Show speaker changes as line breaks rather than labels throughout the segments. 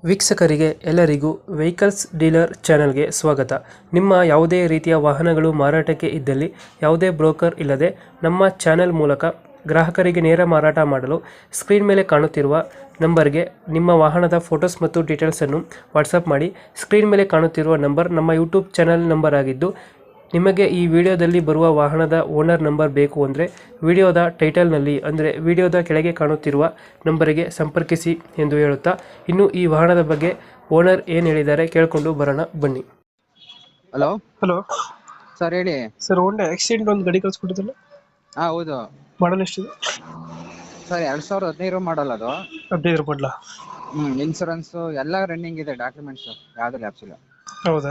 ವೀಕ್ಷಕರಿಗೆ ಎಲ್ಲರಿಗೂ vehicles dealer ಚಾನೆಲ್ಗೆ ಸ್ವಾಗತ. ನಿಮ್ಮ ಯಾವುದೇ ರೀತಿಯ ವಾಹನಗಳು ಮಾರಾಟಕ್ಕೆ ಇದ್ದಲ್ಲಿ ಯಾವುದೇ ಬ್ರೋಕರ್ ಇಲ್ಲದೆ ನಮ್ಮ ಚಾನೆಲ್ ಮೂಲಕ ಗ್ರಾಹಕರಿಗೆ ನೇರ ಮಾರಾಟ ಮಾಡಲು ಸ್ಕ್ರೀನ್ ಮೇಲೆ ಕಾಣುತ್ತಿರುವ ನಂಬರ್ಗೆ ನಿಮ್ಮ ವಾಹನದ ಫೋಟೋಸ್ ಮತ್ತು ಡೀಟೇಲ್ಸನ್ನು ವಾಟ್ಸಪ್ ಮಾಡಿ. ಸ್ಕ್ರೀನ್ ಮೇಲೆ ಕಾಣುತ್ತಿರುವ ನಂಬರ್ ನಮ್ಮ ಯೂಟ್ಯೂಬ್ ಚಾನೆಲ್ ನಂಬರ್ ಆಗಿದ್ದು, ನಿಮಗೆ ಈ ವಿಡಿಯೋದಲ್ಲಿ ಬರುವ ವಾಹನದ ಓನರ್ ನಂಬರ್ ಬೇಕು ಅಂದರೆ ವಿಡಿಯೋದ ಟೈಟಲ್ನಲ್ಲಿ ಅಂದರೆ ವಿಡಿಯೋದ ಕೆಳಗೆ ಕಾಣುತ್ತಿರುವ ನಂಬರಿಗೆ ಸಂಪರ್ಕಿಸಿ ಎಂದು ಹೇಳುತ್ತಾ, ಇನ್ನು ಈ ವಾಹನದ ಬಗ್ಗೆ ಓನರ್ ಏನು ಹೇಳಿದ್ದಾರೆ ಕೇಳಿಕೊಂಡು ಬರೋಣ ಬನ್ನಿ.
ಹಲೋ
ಹಲೋ
ಸರ್, ಹೇಳಿ.
ಸರ್, ಹೋಂಡಾ ಆಕ್ಸಿಡೆಂಟ್ ಒಂದು ಗಾಡಿ ಕಳಿಸ್ಕೊಟ್ಟಿದ್ದಲ್ಲ,
ಹೌದು
ಮಾಡಲ್ ಎಷ್ಟಿದೆ
ಸರ್. 2015 ಮಾಡಲ್ ಅದು.
15 ಮಾಡಲ?
ಇನ್ಸೂರೆನ್ಸ್ ಎಲ್ಲ ರನ್ನಿಂಗ್ ಇದೆ, ಡಾಕ್ಯುಮೆಂಟ್ಸ್ ಯಾವ್ದು ಲ್ಯಾಪ್ಸ್ ಇಲ್ಲ.
ಹೌದಾ?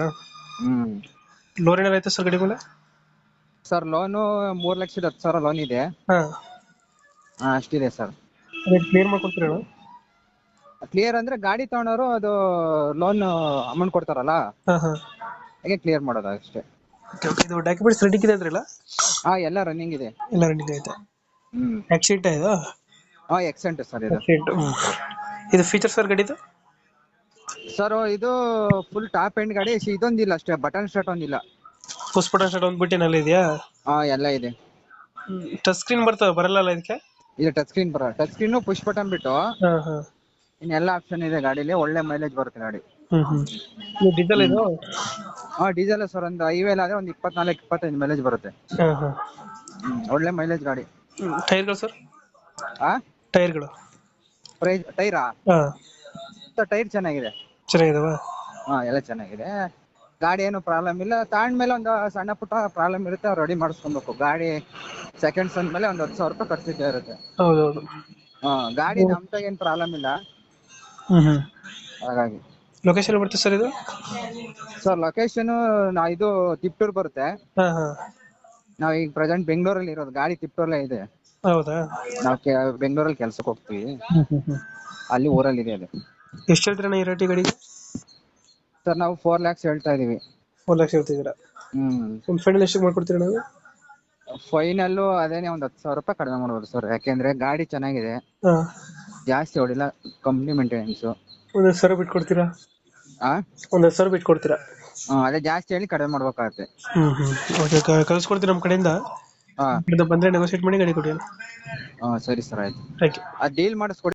ಲೋನ್ ಏನಾರ ಆಯ್ತಾ ಸರ್ ಗಾಡಿ ಮೇಲೆ?
ಸರ್, ಲೋನು 3,10,000 ಲೋನ್ ಇದೆ.
ಹಾಂ,
ಅಷ್ಟಿದೆ ಸರ್.
ಕ್ಲಿಯರ್ ಮಾಡ್ಕೊಡ್ತೀರಾ?
ಕ್ಲಿಯರ್ ಅಂದ್ರೆ ಗಾಡಿ ತಗೊಂಡವರು ಅದು ಲೋನ್ ಅಮೌಂಟ್ ಕೊಡ್ತಾರಲ್ಲ,
ಹಾಂ ಹಾಂ,
ಹಾಗೆ ಕ್ಲಿಯರ್ ಮಾಡೋದು ಅಷ್ಟೇ.
ಇದು ಡಾಕ್ಯುಮೆಂಟ್ಸ್ ರೆಡಿ ಇದೆ ಅಂದ್ರಲ್ಲ?
ಎಲ್ಲ ರನ್ನಿಂಗ್ ಇದೆ.
ಎಲ್ಲ ರನ್ನಿಂಗ್ ಐತೆ. ಆಕ್ಸಿಡೆಂಟ್ ಆಯ್ತಾ?
ಎಕ್ಸೆಂಟ್ ಸರ್ ಇದು.
ಇದು ಫೀಚರ್ ಸರ್ ಗಾಡಿದು?
ಸರ್, ಇದು ಫುಲ್ ಟಾಪ್ ಎಂಡ್ ಗಾಡಿ. ಇದೊಂದಿಲ್ಲ ಅಷ್ಟೇ, ಬಟನ್ ಸ್ಟಾರ್ಟ್ ಒಂದಿಲ್ಲ.
ಪುಷ್ ಬಟನ್ ಸ್ಟಾರ್ಟ್ ಒಂದು ಬಿಟ್ಟಿನಲ್ಲಿ ಇದೆಯಾ?
ಎಲ್ಲ ಇದೆ.
ಟಚ್ ಸ್ಕ್ರೀನ್ ಬರಲ್ಲ ಇದಕ್ಕೆ?
ಇದು ಟಚ್ ಸ್ಕ್ರೀನ್ ಪುಷ್ ಬಟನ್ ಬಿಟ್ಟು
ಹಾಂ ಹಾಂ,
ಇನ್ನೆಲ್ಲ ಆಪ್ಷನ್ ಇದೆ ಗಾಡಿಲಿ. ಒಳ್ಳೆ ಮೈಲೇಜ್ ಬರುತ್ತೆ ಗಾಡಿ.
ಡೀಸೆಲ್ ಇದು?
Diesel sir. ಒಂದು ಹೈವೇಲ್ ಆದ್ರೆ ಒಂದು 24-25 ಮೈಲೇಜ್ ಬರುತ್ತೆ.
ಹಾಂ ಹಾಂ,
ಒಳ್ಳೆ ಮೈಲೇಜ್ ಗಾಡಿ.
ಟೈರ್ಗಳು ಸರ್? ಟೈರ್ಗಳು
ಟೈರಾ?
ಹಾಂ,
ಟೈರ್ ಚೆನ್ನಾಗಿದೆ.
ಚೆನ್ನಾಗಿದಾವ?
ಎಲ್ಲ ಚೆನ್ನಾಗಿದೆ. ಗಾಡಿ ಏನು ಪ್ರಾಬ್ಲಮ್ ಇಲ್ಲ. ತಗೊಂಡ್ಮೇಲೆ ಒಂದು ಸಣ್ಣ ಪುಟ್ಟ ಪ್ರಾಬ್ಲಮ್ ಇರುತ್ತೆ, ರೆಡಿ ಮಾಡಿಸ್ಕೊಬೇಕು. ಗಾಡಿ ಸೆಕೆಂಡ್ಸ್ ಅಂದ್ಮೇಲೆ ಒಂದು 10,000 ರೂಪಾಯಿ ಖರ್ಚಿದ್ದೇ ಇರುತ್ತೆ.
ಹೌದೌದು.
ಗಾಡಿ ನಮ್ದಾಗ ಏನು ಪ್ರಾಬ್ಲಮ್ ಇಲ್ಲ, ಹಾಗಾಗಿ.
ಲೊಕೇಶನ್ ಬರುತ್ತೆ ಸರ್ ಇದು?
ಸರ್, ಲೊಕೇಶನ್ ಇದು ತಿಪ್ಟೂರ್ ಬರುತ್ತೆ.
ಹಾಂ ಹಾಂ,
ನಾವ್ ಈಗ ಪ್ರೆಸೆಂಟ್ ಬೆಂಗಳೂರಲ್ಲಿ ಇರೋದು. ಗಾಡಿ ತಿಪ್ಟೂರಲ್ಲೇ ಇದೆ.
ಹೌದಾ?
ನಾವು ಬೆಂಗಳೂರಲ್ಲಿ ಕೆಲ್ಸಕ್ಕೆ ಹೋಗ್ತೀವಿ, ಅಲ್ಲಿ ಊರಲ್ಲಿ ಇದೆ ಅದು.
ಎಷ್ಟು ಹೇಳ್ತೀರಣ್ಣ ಈ ರೇಟಿ ಗಾಡಿಗೆ?
ಸರ್, ನಾವು 4 lakhs ಹೇಳ್ತಾ ಇದೀವಿ.
4 ಲಕ್ಷ ಹೇಳ್ತಿದ್ದೀರಾ? ಒಂದು ಫೈನಲ್ ಎಷ್ಟು ಮಾಡ್ಕೊಡ್ತೀರಾ ನಾವು?
ಫೈನಲ್ ಅದೇನೆ ಒಂದು 10,000 ರೂಪಾಯಿ ಕಡಿಮೆ ಮಾಡ್ಬೋದು ಸರ್. ಯಾಕೆಂದ್ರೆ ಗಾಡಿ ಚೆನ್ನಾಗಿದೆ,
ಹಾಂ,
ಜಾಸ್ತಿ ಹೊಡಿಲ್ಲ, ಕಂಪ್ನಿ ಮೇಂಟೆನೆನ್ಸ್.
ಒಂದು 10,000 ಬಿಟ್ಟು ಕೊಡ್ತೀರಾ? ಒಂದು 10,000 ಬಿಟ್ಟು ಕೊಡ್ತೀರಾ?
ಅದೇ ಜಾಸ್ತಿ ಹೇಳಿ ಕಡಿಮೆ ಮಾಡ್ಬೇಕಾಗತ್ತೆ.
ಓಕೆ, ಕಳ್ಸ್ಕೊಡ್ತೀವಿ ನಮ್ಮ ಕಡೆಯಿಂದ. ಬಂದರೆ ನೆಗೋಸಿಯೇಟ್ ಮಾಡಿ ಗಾಡಿ ಕೊಡಿ.
ಸರಿ ಸರ್, ಆಯ್ತು.
Thank you.
ಡೀಲ್ ಮಾಡಿಸ್ಕೊಡಿ.